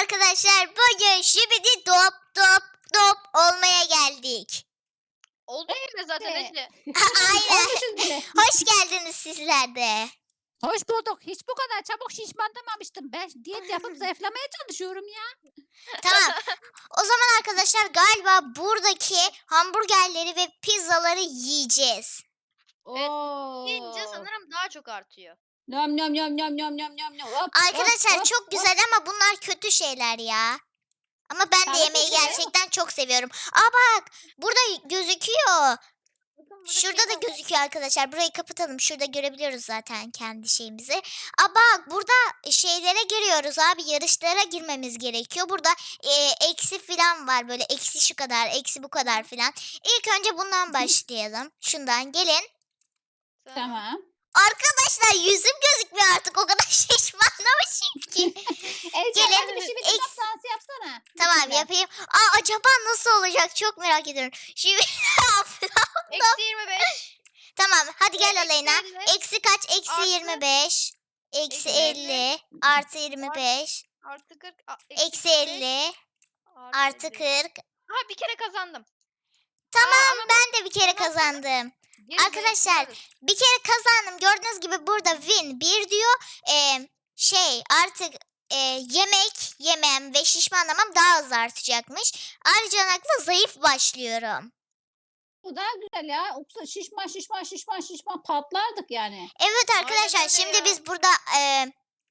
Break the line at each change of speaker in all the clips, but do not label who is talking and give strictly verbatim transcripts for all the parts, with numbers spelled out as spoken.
arkadaşlar, bugün şibidi dop dop dop olmaya geldik.
Olduk bile zaten
Evet.
Ece.
Aynen.
Olmuşuz bile.
Hoş geldiniz sizler de.
Hoş bulduk. Hiç bu kadar çabuk şişmanlamamıştım. Ben diyet yapıp zayıflamaya çalışıyorum ya.
Tamam. O zaman arkadaşlar galiba buradaki hamburgerleri ve pizzaları yiyeceğiz.
Evet,
Oo.
Yiyince sanırım daha çok artıyor.
Nom nom nom nom nom nom nom nom. Hop,
Arkadaşlar
hop, hop,
çok
hop.
güzel ama bunlar kötü şeyler ya. Ama ben de
Sağlıklı
yemeği
şeyler
gerçekten çok seviyorum. Aa bak, burada gözüküyor.
Bakın burada
Şurada
şey
da
var.
gözüküyor arkadaşlar. Burayı kapatalım. Şurada görebiliyoruz zaten kendi şeyimizi. Aa bak, burada şeylere giriyoruz abi. Yarışlara girmemiz gerekiyor. Burada e, eksi falan var. Böyle eksi şu kadar, eksi bu kadar falan. İlk önce bundan başlayalım. Şundan gelin.
Tamam.
Arkadaşlar yüzüm gözükmüyor artık. O kadar şişmanlamışım ki.
Ece
Gelin,
hadi bir şey bir
eks-
kitap dansı yapsana.
Tamam
Bismillah.
yapayım. Aa acaba nasıl olacak? Çok merak ediyorum. Şimdi
Eksi yirmi beş.
Tamam hadi
E,
gel
eksi
Aleyna.
elli.
Eksi kaç? Eksi
Artı-
yirmi beş. Eksi
Eksi
elli.
elli.
Artı yirmi beş.
Artı kırk. a-
Eksi
kırk beş,
elli. Artı
elli.
kırk.
Ha bir kere kazandım.
Tamam
Aa, ama
ben de bir kere
bundan sonra-
kazandım.
geri
Arkadaşlar,
zayıflarız.
Bir kere kazandım. Gördüğünüz gibi burada win bir diyor. Ee, şey artık e, yemek yemem ve şişmanlamam daha hızlı artacakmış. Ayrıca da zayıf başlıyorum.
Bu daha güzel ya. Yoksa şişman şişman şişman şişman patlardık yani.
Evet arkadaşlar
öyle
şimdi
ya.
biz burada e,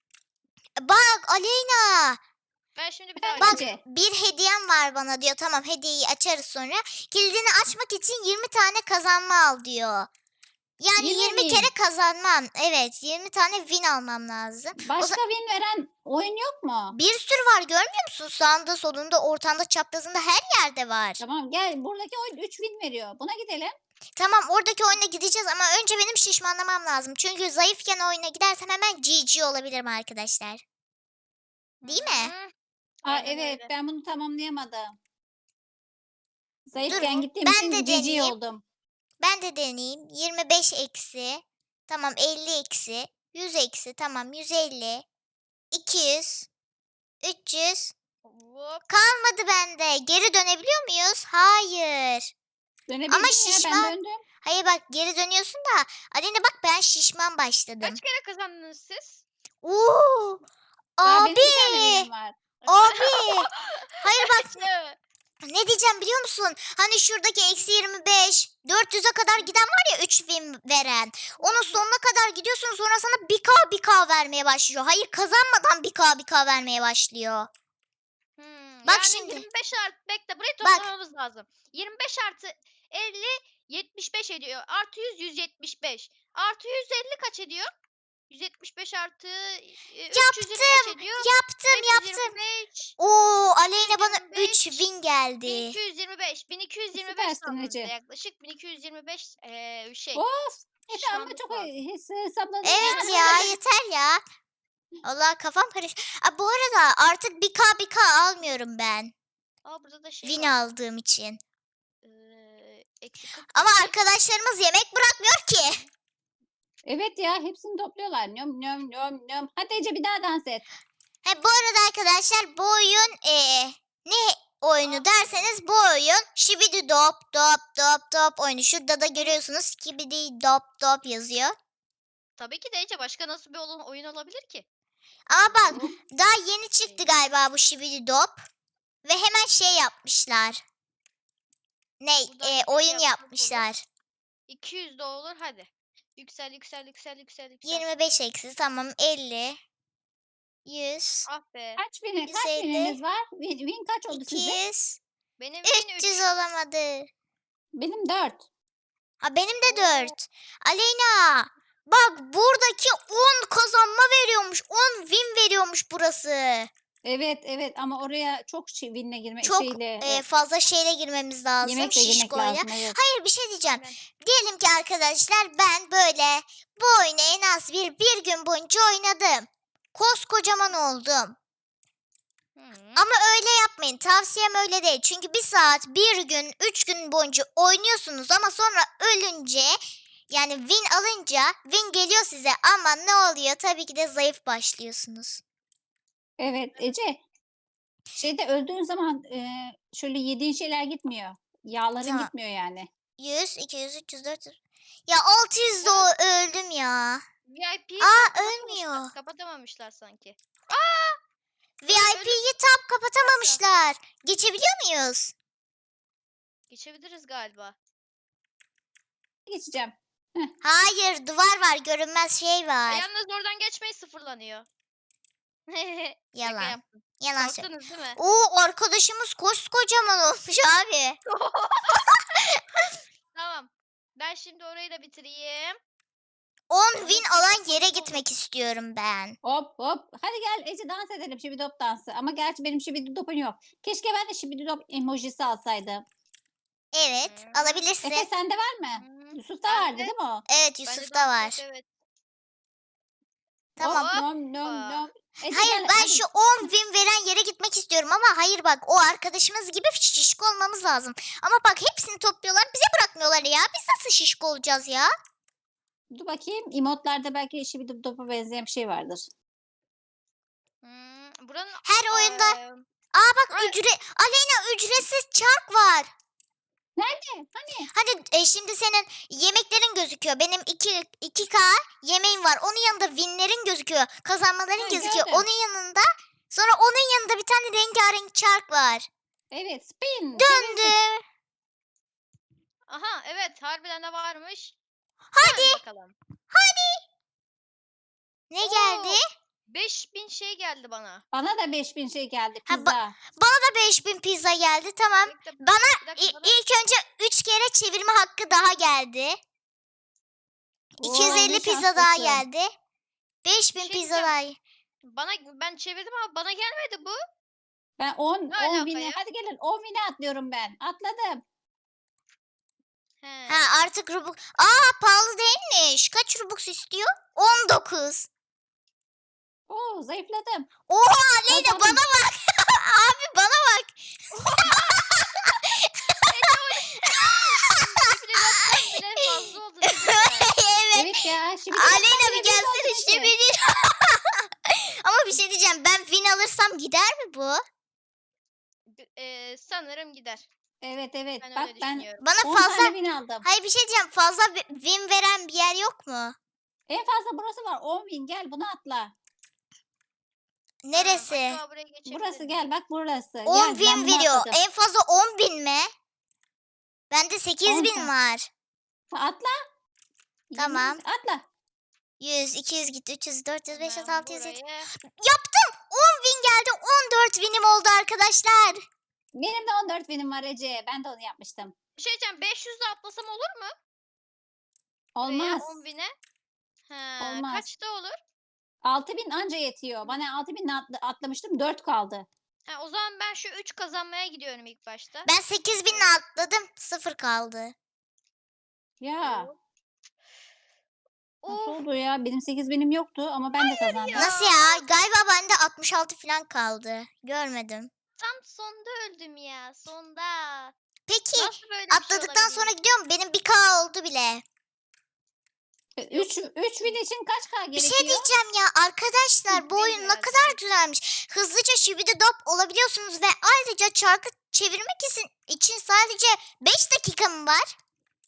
bak Aleyna.
Ben şimdi bir daha
Bak
Ece.
bir hediyem var bana diyor. Tamam hediyeyi açarız sonra. Kilidini açmak için yirmi tane kazanma al diyor. Yani
yirmi
yirmi
bin.
kere kazanmam. Evet yirmi tane win almam lazım.
Başka win veren oyun yok mu?
Bir sürü var görmüyor musun? Sağında solunda ortanda çaprazında her yerde var.
Tamam gel buradaki oyun üç win veriyor. Buna gidelim.
Tamam oradaki oyuna gideceğiz ama önce benim şişmanlamam lazım. Çünkü zayıfken oyuna gidersem hemen G G olabilirim arkadaşlar. Değil mi?
Hı.
Aa
Aynen
evet
öyle.
ben bunu tamamlayamadım. Zayıfken
Dur,
gittiğim
ben
için
de
G G
deneyeyim.
oldum.
Ben de deneyeyim. yirmi beş eksi. Tamam elli eksi. yüz eksi. Tamam yüz elli. iki yüz. üç yüz.
Hop.
Kalmadı bende. Geri dönebiliyor muyuz? Hayır.
Dönebildim
Ama
ya
şişman-
ben döndüm.
Hayır bak geri dönüyorsun da. Aleyna bak ben şişman başladım.
Kaç kere kazandınız siz?
Oo.
Daha benim
Abi.
bir tane winim var.
Abi. Hayır bak
Evet.
ne diyeceğim biliyor musun? Hani şuradaki eksi yirmi beş, dört yüze kadar giden var ya üç bin veren. Onun sonuna kadar gidiyorsun sonra sana bir k bir k vermeye başlıyor. Hayır kazanmadan bir k bir k vermeye başlıyor.
Hmm,
Bak
yani
şimdi.
yirmi beş artı bekle burayı
Bak.
toplamamız lazım. yirmi beş artı elli yetmiş beş ediyor. Artı yüz yüz yetmiş beş. Artı yüz elli kaç ediyor? yüz yetmiş beş artı e, üç yüz yirmi beş ediyor.
Yaptım yaptım.
beş yüz yirmi beş.
Oo Aleyna bana
yirmi beş,
üç bin geldi.
bin iki yüz yirmi beş. bin iki yüz yirmi beş
Süpersin
sandığımızda
Ece.
yaklaşık. bin iki yüz yirmi beş eee şey.
Of. Efe ama
şişmanlık
çok
var.
hes- hesapladın.
Evet ya yeter ya. Allah kafam karış. Aa, bu arada artık bir k bir k almıyorum ben.
Aa burada da şey
Win
var.
aldığım için.
Eee, eksi kırk
Ama
iki.
arkadaşlarımız yemek bırakmıyor ki.
Evet ya hepsini topluyorlar. Nöm nöm nöm nöm. Hadi Ece bir daha dans et.
He, bu arada arkadaşlar bu oyun eee, ne oyunu
Aa,
derseniz bu oyun Şibidi Dop Dop Dop Dop oyunu. Şurada da görüyorsunuz Skibidi Dop Dop yazıyor.
Tabii ki de Ece başka nasıl bir oyun, oyun olabilir ki?
Ama bak
Hop.
daha yeni çıktı galiba bu Şibidi Dop. Ve hemen şey yapmışlar. Ne
Buradan
eee,
şöyle
oyun
yapsak olur.
yapmışlar.
iki yüz de olur hadi. Yüksel yüksel yüksel yüksel yüksel.
yirmi beş eksi tamam elli. yüz.
Ah be.
Kaç win, kaç
yüz elli,
wininiz var? Win, win kaç oldu sizde?
iki yüz.
Benim bin
üç yüz
üç.
olamadı.
Benim dört.
Ha benim de
Oo.
dört. Aleyna bak buradaki on kazanma veriyormuş. on win veriyormuş burası.
Evet evet ama oraya çok şey, winle girme
Çok
şeyle
e, fazla şeyle girmemiz lazım.
yemekle girmek
Şişkoyla.
lazım. Evet.
Hayır bir şey diyeceğim.
Aynen.
Diyelim ki arkadaşlar ben böyle bu oyunu en az bir, bir gün boyunca oynadım. Koskocaman oldum.
Hı.
Ama öyle yapmayın. Tavsiyem öyle değil. Çünkü bir saat, bir gün, üç gün boyunca oynuyorsunuz ama sonra ölünce yani win alınca win geliyor size ama ne oluyor? Tabii ki de zayıf başlıyorsunuz.
Evet Ece Şeyde öldüğün zaman e, şöyle yediğin şeyler gitmiyor. Yağların
Tamam.
gitmiyor yani.
yüz, iki yüz, üç yüz, dört yüz. Ya altı yüzde o öldüm ya.
V I P'yi
Aa,
tam
ölmüyor.
kapatamamışlar, kapatamamışlar sanki.
V I P'yi tam kapatamamışlar. Geçebiliyor muyuz?
Geçebiliriz galiba.
Geçeceğim.
Hayır, duvar var, görünmez şey var.
Yalnız oradan geçmeyi sıfırlanıyor. Şaka
Yalan.
yaptım.
Yalan söyle.
Korktunuz değil mi?
Oo, arkadaşımız koskocaman olmuş abi.
Tamam. Ben şimdi orayı da bitireyim.
on
Orası
win
çok
alan
komik
yere
oldu.
gitmek istiyorum ben.
Hop hop. Hadi gel Ece dans edelim şibidop dansı. Ama gerçi benim şibidopum yok. Keşke ben de şibidop emojisi alsaydım.
Evet,
Hmm.
alabilirsin.
Efe sende var mı?
Hmm,
Yusuf'ta
bende-
vardı değil mi o?
Evet,
bende
Yusuf'ta
dans
var.
yok, Evet.
Tamam.
Hop, nom nom nom. Ece
Hayır,
gel,
ben
hadi.
şu on win veren yere gitmek istiyorum ama hayır bak, o arkadaşımız gibi şişko olmamız lazım. Ama bak, hepsini topluyorlar, bize bırakmıyorlar ya. Biz nasıl şişko olacağız ya?
Dur bakayım. Emotlarda belki şibidopa benzeyen bir şey vardır.
Hmm, buranın
Her oyunda.
eee,
Aa bak,
Ay.
ücret Aleyna, ücretsiz çark var.
Nerede? Hani?
Hani e, şimdi senin yemeklerin gözüküyor. Benim iki iki k yemeğim var. Onun yanında winlerin gözüküyor. Kazanmaların
Ha,
gözüküyor.
gördüm.
Onun yanında, sonra onun yanında bir tane rengarenk çark var.
Evet. Spin.
Döndü.
aha evet harbiden de varmış.
Hadi.
Dön bakalım.
Ne
Oo,
geldi?
beş bin şey geldi bana.
Bana da beş bin şey geldi.
Ha, ba-
Pizza.
Bana da beş bin pizza geldi. Tamam.
Bekle,
Bana
bir dakika,
İ-
bana-
ilk önce üç kere çevirme hakkı daha geldi. iki yüz
Oo,
elli
ne
pizza daha
şanslısın.
geldi. beş bin
şey
pizza
diyeceğim.
daha.
Bana ben çevirdim ama bana gelmedi bu.
Ben on,
Ne
on
alaka
bine.
ya?
Hadi gelin on bine atlıyorum ben. Atladım.
He.
Ha, artık Robux. Aa, pahalı değilmiş. Kaç Robux istiyor? on dokuz.
Oo, zayıfladım.
Oha Aleyna,
Kazandım.
bana bak. Abi bana bak.
Enflasyon bile fazla oldu değil mi?
Evet.
Evet ya. Şimdi
Aleyna bir gelsene şimdi. Ama bir şey diyeceğim. Ben win alırsam gider mi bu?
Eee, sanırım gider.
Evet evet.
Ben
Bak
öyle
ben
düşünüyorum.
Bana
on
fazla...
tane win aldım.
Hayır, bir şey diyeceğim. Fazla wi- win veren bir yer yok mu?
En fazla burası var. on win. Gel bunu atla.
Neresi?
Acaba buraya geçebilir
Burası
miyim?
gel bak burası.
on
Gel, ben
win
bunu
veriyor.
atladım.
En fazla on bin mi? Bende sekiz
on
bin
tane.
var.
Atla.
Tamam.
Yemin- Atla.
yüz, iki yüz gitti. üç yüz, dört yüz, beş yüz,
Hemen
altı yüz, yedi yüz.
buraya.
Yaptım. on win geldi. on dört winim oldu arkadaşlar.
Benim de on dört winim var Ece. Ben de onu yapmıştım.
Bir şey diyeceğim. beş yüzle atlasam olur mu? Buraya
Olmaz.
on bine. He,
Olmaz.
kaçta olur?
altı bin anca yetiyor. Bana altı bin atla- atlamıştım. dört kaldı.
Ha, o zaman ben şu üç kazanmaya gidiyorum ilk başta.
Ben sekiz binle
Evet.
atladım. sıfır kaldı.
Ya. Nasıl
Of.
oldu ya? Benim sekiz binim yoktu ama ben de kazandım.
ya.
Nasıl ya? Galiba bende altmış altı falan kaldı. Görmedim.
Tam sonda öldüm ya. Sonda.
Peki
Nasıl böyle bir şey
atladıktan sonra
olabilir?
gidiyorum. Benim bir k oldu bile.
üç üç win için kaç K
Bir
gerekiyor?
şey diyeceğim ya arkadaşlar, bu
Bin
oyun ne
herhalde.
kadar güzelmiş. Hızlıca şibidi-dop olabiliyorsunuz ve ayrıca çarkı çevirmek için, için sadece beş dakika mı var?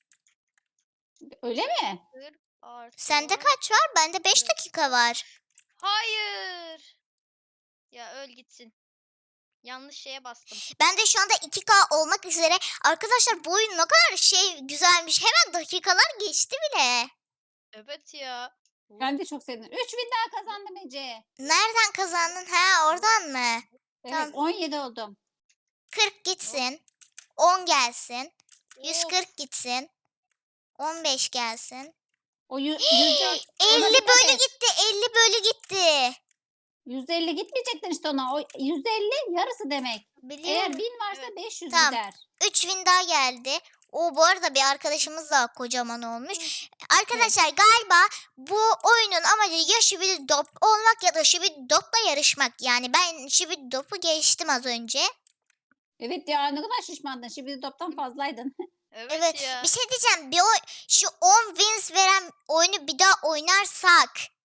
Öyle mi?
Bir artı-
Sende kaç var? Bende beş
Evet.
dakika var.
Hayır. Ya öl gitsin. Yanlış şeye bastım.
Ben de şu anda iki k olmak üzere. Arkadaşlar bu oyun ne kadar şey güzelmiş. Hemen dakikalar geçti bile.
Evet ya.
Ben de çok sevindim. üç win daha kazandım Ece.
Nereden kazandın? Ha, oradan mı?
Evet
Tamam.
on yedi oldum.
kırk gitsin. on gelsin. yüz
Of.
kırk gitsin. on beş gelsin.
O yü- yüzde
elli
dikkat
bölü
et.
gitti. elli bölü gitti.
yüzde elli gitmeyecektin işte ona. O yüzde elli yarısı demek. Eğer
Biliyorum.
bin varsa
Evet.
beş yüz
Tamam.
gider.
üç win daha geldi. O bu arada bir arkadaşımız daha kocaman olmuş. Arkadaşlar galiba bu oyunun amacı ya Şibidi-Dop olmak ya da Şibidi-Dop'la yarışmak. Yani ben Şibidi-Dop'u geçtim az önce.
Evet ya ne kadar şişmandın. Şimdi toptan fazlaydın.
Evet,
Evet.
ya.
Bir şey diyeceğim. Bir oy- şu on wins veren oyunu bir daha oynarsak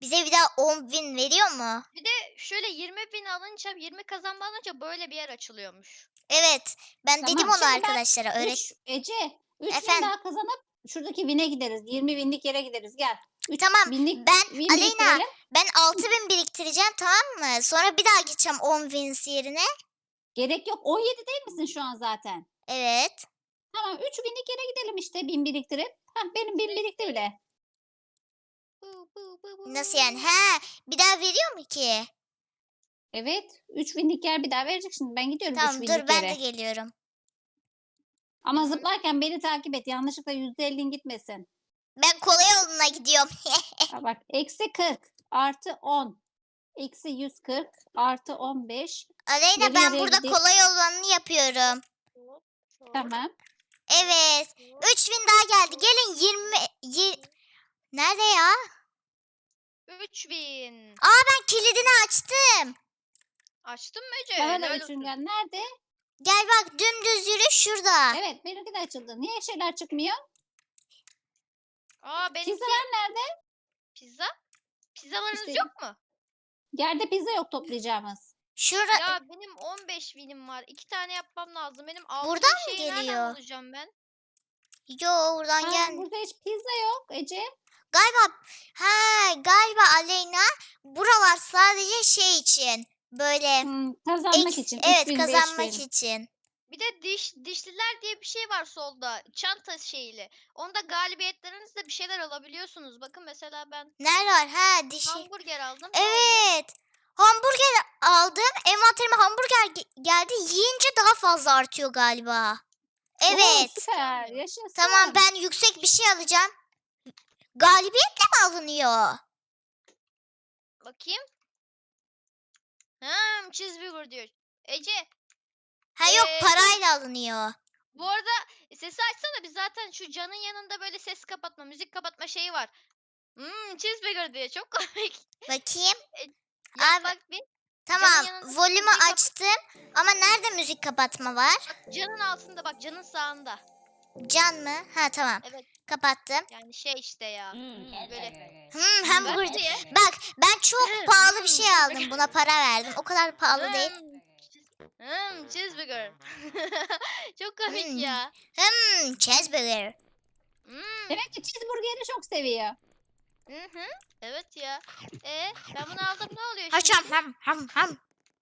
Bize bir daha on bin veriyor mu?
Bir de şöyle yirmi bin alınca yirmi kazanma alınca böyle bir yer açılıyormuş.
Evet. Ben
Tamam,
dedim onu
şimdi ben
arkadaşlara. Öyle
Üç, Ece üç bin
Efendim?
daha kazanıp şuradaki win'e gideriz. yirmi binlik yere gideriz. Gel. Üç
Tamam,
binlik
ben
win
Aleyna
biriktirelim.
ben altı bin biriktireceğim, tamam mı? Sonra bir daha gideceğim on wins yerine.
Gerek yok. on yedi değil misin şu an zaten?
Evet.
Tamam, üç binlik yere gidelim işte bin biriktirip. Hah, benim bin birikti bile.
Bu, bu, bu, bu.
Nasıl yani? He, bir daha veriyor mu ki?
Evet. üç binlik yer bir daha verecek şimdi. Ben gidiyorum
Tamam,
üç
dur
binlik
ben
yere.
de geliyorum.
Ama zıplarken beni takip et. Yanlışlıkla yüzde ellin gitmesin.
Ben kolay yoluna gidiyorum.
Ha bak, eksi kırk artı on. Eksi yüz kırk artı on beş.
Aleyna,
Yarı
ben
yarıya
burada
gideyim.
kolay olanını yapıyorum.
Hop, hop,
Tamam.
Evet.
hop.
üç bin daha geldi. Gelin yirmi... Yi- Nerede ya?
üç bin.
Ben kilidini açtım.
Açtın mı Ece?
Bana da
Helal
üçün
olsun.
gel. Nerede?
Gel bak, dümdüz yürü şurada.
Evet, benimki de açıldı. Niye şeyler çıkmıyor?
Aa benimki
Pizzalar nerede?
pizza. Pizzalarınız
İşte-
yok mu?
Yerde pizza yok toplayacağımız.
Şura...
Ya benim on beş binim var. İki tane yapmam lazım. Benim altı
Buradan mı
şeyi nereden
geliyor?
bulacağım ben?
Yo, buradan
Ha,
gel.
burada hiç pizza yok Ece.
Galiba ha galiba Aleyna, buralar sadece şey için. Böyle
Hmm, kazanmak
eks-
için.
evet,
üç bin,
kazanmak
beş bin.
için.
Bir de diş dişliler diye bir şey var solda. Çanta şeyli. Onda galibiyetlerinizde bir şeyler alabiliyorsunuz. Bakın mesela ben
Nerede var? Ha, dişi.
hamburger aldım. Ne oluyor?
Evet. Hamburger aldım. Envanterime hamburger ge- geldi. Yiyince daha fazla artıyor galiba.
Oo,
Evet.
süper. Yaşasın.
Tamam, ben yüksek bir şey alacağım. Galibiyetle mi alınıyor?
Bakayım. Hmm, cheeseburger diyor. Ece,
Ha yok,
Ee,
parayla alınıyor.
bu arada sesi açsana, biz zaten şu canın yanında böyle ses kapatma, müzik kapatma şeyi var. Hmm, cheeseburger diyor. Çok komik.
Bakayım.
Yap
Abi,
bak bir.
Tamam,
yanında
volümü
müziği kapat-
açtım. Ama nerede müzik kapatma var?
Canın altında bak, canın sağında.
Can mı? Ha, tamam.
Evet.
Kapattım.
Yani şey işte ya. Böyle.
Hmm,
Bak
hamburger.
diye.
Bak, ben çok pahalı bir şey aldım. Buna para verdim. O kadar pahalı değil.
Hmm, hmm, cheeseburger. Çok komik
Hmm.
ya.
Hmm, cheeseburger.
Hmm.
Demek ki cheeseburgeri çok seviyor.
Hı hı. Evet ya. E ben bunu aldım, ne oluyor şimdi?
Haşam ham ham ham.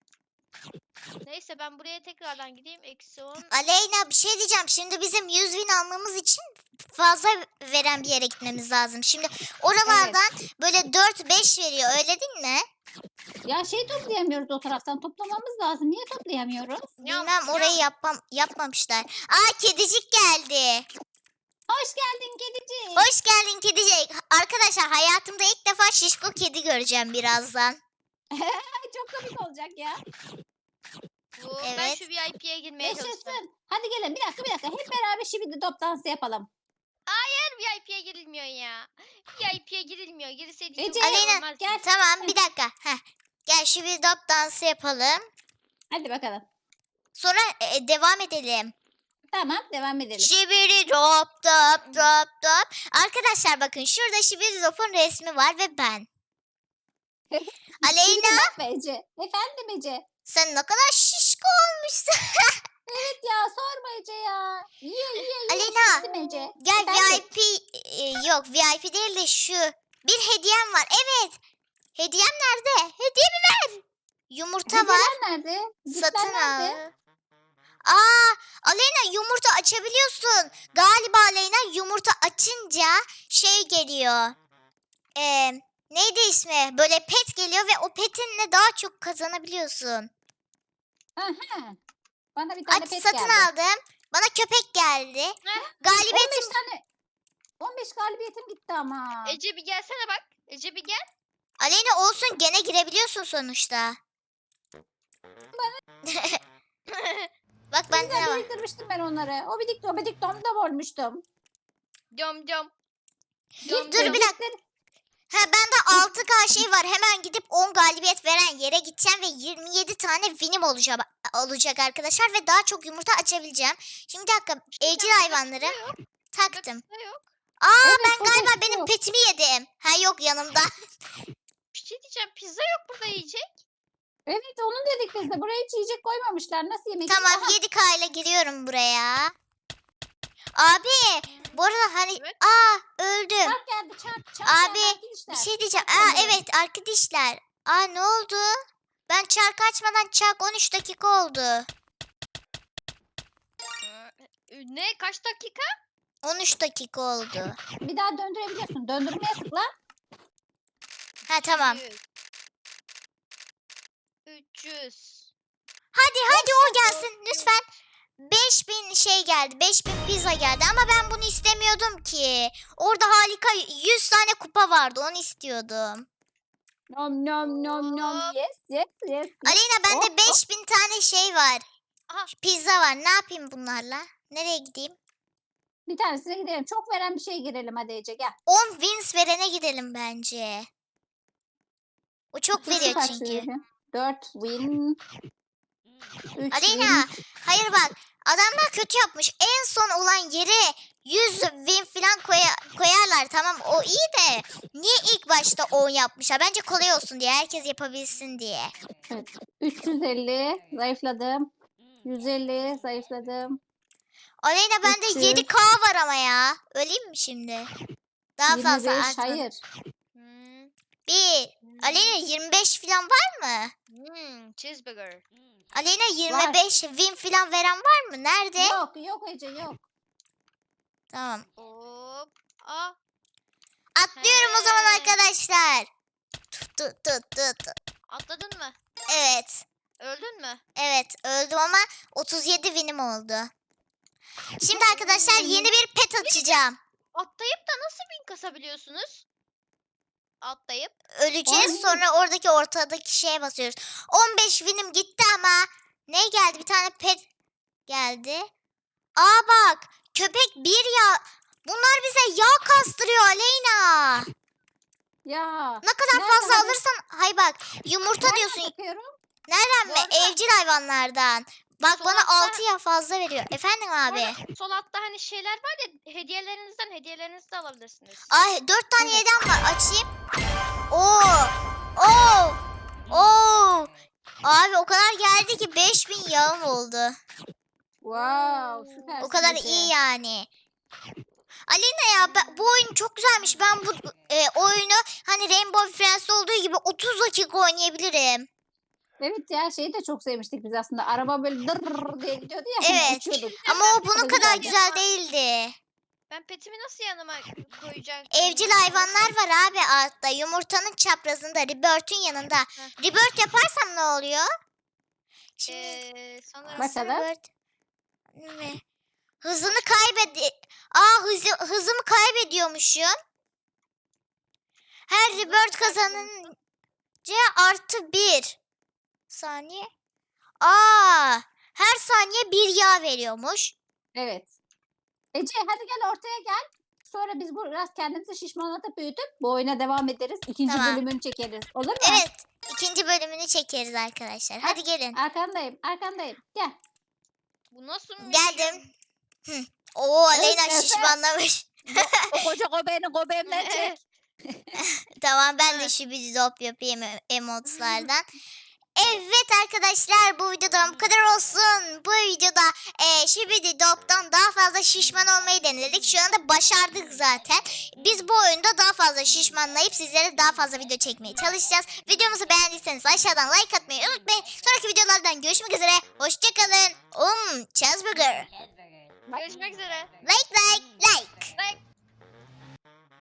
Neyse ben buraya tekrardan gideyim. Eksi on.
Aleyna, bir şey diyeceğim. Şimdi bizim yüz bin almamız için fazla veren bir yere gitmemiz lazım. Şimdi oralardan böyle dört beş veriyor. Öyle değil mi?
Ya şey toplayamıyoruz o taraftan. Toplamamız lazım. Niye toplayamıyoruz?
Ya,
Bilmem,
ya.
orayı yapmam yapmamışlar. Aa, kedicik geldi.
Hoş geldin kedicik.
Hoş geldin kedicik. Arkadaşlar, hayatımda ilk defa şişko kedi göreceğim birazdan.
Ay, çok komik olacak ya.
Bu, Ben
Evet.
şu V I P'ye girmeye çalışacağım.
Yaşasın. Hadi gelin bir dakika bir dakika. Hep beraber şibidi top dansı yapalım.
Hayır, V I P'ye girilmiyor ya. V I P'ye girilmiyor. Girseydi çok
Ece,
güzel
Aleyna,
olmazdı.
gel.
Tamam, bir dakika. Heh. Gel, şu bir dop dansı yapalım.
Hadi bakalım.
Sonra e, devam edelim.
Tamam devam edelim.
Şibiri dop dop dop dop. Arkadaşlar bakın, şurada Şibiri dop'un resmi var ve ben. Aleyna,
Şibidi top be Ece. Efendim Ece.
sen ne kadar şişko olmuşsun.
Evet ya sorma Ece ya. Yiye yiye yiye.
Aleyna,
şiştim Ece.
Gel,
Efendim?
V I P e, yok, V I P değil de şu. Bir hediyem var. Evet. Hediyem nerede? Hediyemi ver. Yumurta var.
Hediyeler nerede? Cipsler
Satın
nerede?
al. Aa, Aleyna, yumurta açabiliyorsun. Galiba Aleyna, yumurta açınca şey geliyor. Ee, neydi ismi? Böyle pet geliyor ve o petinle daha çok kazanabiliyorsun.
Aha. Bana bir tane
Aç,
pet
satın
geldi.
aldım. Bana köpek geldi.
Heh.
Galibiyetim.
on beş tane. on beş galibiyetim gitti ama.
Ece bir gelsene bak. Ece bir gel.
Aleyna, olsun, gene girebiliyorsun sonuçta. Bak, bende ne
Güzel
var?
biriktirmiştim ben onları. O bidik o bidik dom dom olmuştum.
Dom dom.
Dur bir dakika. Ha, bende altı K şey var. Hemen gidip on galibiyet veren yere gideceğim ve yirmi yedi tane winim olacak, olacak arkadaşlar ve daha çok yumurta açabileceğim. Şimdi bir dakika, evcil hayvanları taktım.
Yok.
Aa,
Evet,
ben
burada
galiba
yok.
benim petimi yedim. Ha yok, yanımda.
şey diyeceğim. Pizza yok burada yiyecek.
Evet onu dedik biz de. Buraya hiç yiyecek koymamışlar. Nasıl yemek
Tamam
yiyeceğiz?
yedi K ile giriyorum buraya. Abi bu arada hani
Evet.
aa öldüm.
Çark geldi çark. çark
Abi,
geldi
Bir
arkadaşlar.
şey diyeceğim.
Çark
Aa
geliyor.
evet arkadaşlar. Aa ne oldu? Ben çark açmadan çark on üç dakika oldu.
Ee, Ne? Kaç dakika?
on üç dakika oldu.
Bir daha döndürebiliyorsun. Döndürmeye tıkla.
Ha tamam.
üç yüz.
Hadi hadi o gelsin lütfen. beş bin şey geldi. beş bin pizza geldi ama ben bunu istemiyordum ki. Orada harika yüz tane kupa vardı. Onu istiyordum.
Nom nom nom nom.
Hop.
Yes yes yes.
Aleyna
Hop,
bende
hop.
beş bin tane şey var.
Aha.
Pizza var. Ne yapayım bunlarla? Nereye gideyim?
Bir tanesine gidelim. Çok veren bir şey girelim hadi Ece gel.
on wins verene gidelim bence. O çok veriyor
Kaç
çünkü.
veriyor? dört win. üç
Aleyna
win.
hayır bak adamlar kötü yapmış. En son olan yere yüz win falan koya- koyarlar tamam o iyi de niye ilk başta on yapmışlar? Bence kolay olsun diye herkes yapabilsin diye.
Evet. üç yüz elli zayıfladım. yüz elli zayıfladım.
Aleyna bende
üç yüz.
yedi K var ama ya. Öleyim mi şimdi? Daha fazla
yirmi beş
artmadı.
hayır.
Hmm.
Bir. Aleyna yirmi beş falan var mı?
Hmm, cheeseburger.
Aleyna yirmi beş win falan veren var mı? Nerede?
Yok yok Ece yok.
Tamam.
Hop. Aa.
Atlıyorum o zaman
He.
arkadaşlar. Tut tut tut tut. tut.
Atladın mı?
Evet.
Öldün mü?
Evet öldüm ama otuz yedi winim oldu. Şimdi arkadaşlar yeni bir pet açacağım.
Atlayıp da nasıl bin kasabiliyorsunuz? Atlayıp.
Öleceğiz
Ay.
sonra oradaki ortadaki şeye basıyoruz. on beş winim gitti ama ne geldi? Bir tane pet geldi. Aa bak köpek bir yağ. Bunlar bize yağ kastırıyor Aleyna.
Ya.
Ne kadar
Nerede
fazla
hani?
alırsan hay bak yumurta
Nereden
diyorsun.
bakıyorum?
Nereden
Bu
mi?
arada-
Evcil hayvanlardan. Bak
Sol
bana
altta-
altı ya fazla veriyor. Efendim
Bu
abi.
arada sol altta hani şeyler var ya hediyelerinizden hediyelerinizi de alabilirsiniz.
Ay dört tane
Evet.
yedem var. Açayım. Oo. Oo. Oo. Abi o kadar geldi ki beş bin yağım oldu.
Wow süper.
O kadar iyi yani. Alina ya ben- bu oyun çok güzelmiş. Ben bu e, oyunu hani Rainbow Friends'te olduğu gibi otuz dakika oynayabilirim.
Evet ya şeyi de çok sevmiştik biz aslında. Araba böyle dırrrr diye gidiyordu ya.
Evet.
Uçuyorduk.
Ama o bunun
Çok
kadar
güzeldi.
güzel değildi.
Ben petimi nasıl yanıma koyacağım?
Evcil hayvanlar var abi altta. Yumurtanın çaprazında, Rebirth'ün yanında. Rebirth yaparsam ne oluyor? Şimdi
Ee, sanırım.
Bakalım.
Rebirth mi? Hızını kaybedi. Aa hızı, hızımı kaybediyormuşum. Her
Hızını
Rebirth
kaybediyorsun.
kazanınca artı bir saniye. Aa her saniye bir yağ veriyormuş.
Evet. Ece hadi gel ortaya gel. Sonra biz bu biraz kendimizi şişmanlatıp büyütüp bu oyuna devam ederiz. İkinci
Tamam.
bölümünü çekeriz. Olur mu?
Evet ikinci bölümünü çekeriz arkadaşlar. Hadi gelin.
Arkandayım. Arkandayım. Gel.
Bu nasıl bir
Geldim. Hı. Oo Aleyna
Efe.
şişmanlamış.
O koca göbeğini göbeğimden çek.
Tamam ben de
Evet.
şu bir dop yapayım e- emotlardan. Evet arkadaşlar bu videodan bu kadar olsun. Bu videoda e, Şibidi Dop'tan daha fazla şişman olmayı denedik. Şu anda başardık zaten. Biz bu oyunda daha fazla şişmanlayıp sizlere daha fazla video çekmeye çalışacağız. Videomuzu beğendiyseniz aşağıdan like atmayı unutmayın. Sonraki videolardan görüşmek üzere. Hoşçakalın. Um, cheeseburger.
Görüşmek üzere.
Like like.